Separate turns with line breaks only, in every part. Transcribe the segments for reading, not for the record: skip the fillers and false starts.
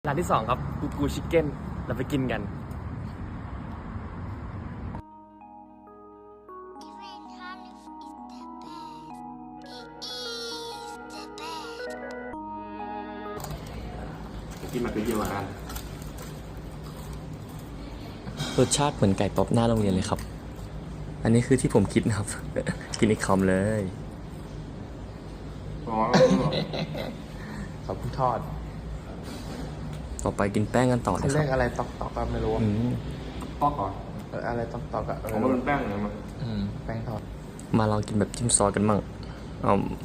ร้านที่2ครับกูชิคเก้นเราไปกินกัน
กินมาเป็นเยอะกัน
รสชาติเหมือนไก่ป๊อปหน้าโรงเรียนเลยครับอันนี้คือที่ผมคิดนะครับ กินอีกคำเลย
อ๋อเขาเพิ่งทอด
ต่อไปกินแป้งกันต่อ
เขา
นะค
เรี
รั
ย
บ
กอะไรตอกก็ไม่รู้
ปอกก่อน
อะไรตอกอะ
ผมว่าเป็นแป้งเลยมั้ง
แป้งทอด
มาลองกินแบบจิ้มซอสกันมั่งเอา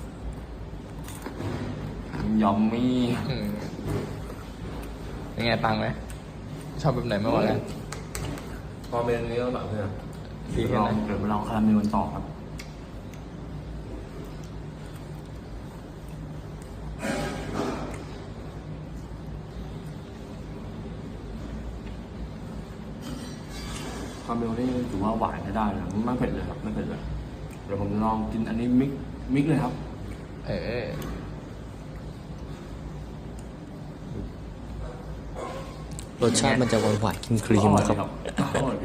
ยอมมี่
ยังไงปังไหมชอบแบบไหนมากกว่ากัน
พอเป็นนี้ก็แบบเพื่อน
ดีแค่ไหน
เดี๋ยวไปลองคาราเมลกันต่อครับคาราเมลนี่ถือว่าหวานใช้ได้นะไม่เผ็ดเลยครับไม่เผ็ดเลยเดี๋ยวผมจะลองกินอันนี้มิกเลยครับ
รสชาติมันจะหวานหวานครีมๆนะครับ
อร่อยดี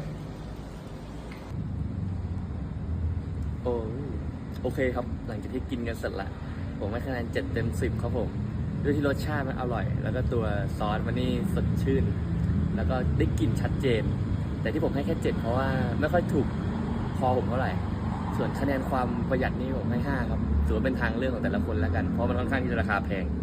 โอเคครับหลังจากที่กินกันเสร็จละผมให้คะแนน7 เต็ม 10ครับผมด้วยที่รสชาติมันอร่อยแล้วก็ตัวซอสมันนี่สดชื่นแล้วก็ได้กลิ่นชัดเจนแต่ที่ผมให้แค่7เพราะว่าไม่ค่อยถูกคอผมเท่าไหร่ส่วนคะแนนความประหยัดนี่ผมให้5ครับถือว่าเป็นทางเลือกของแต่ละคนแล้วกันเพราะมันค่อนข้างที่จะราคาแพง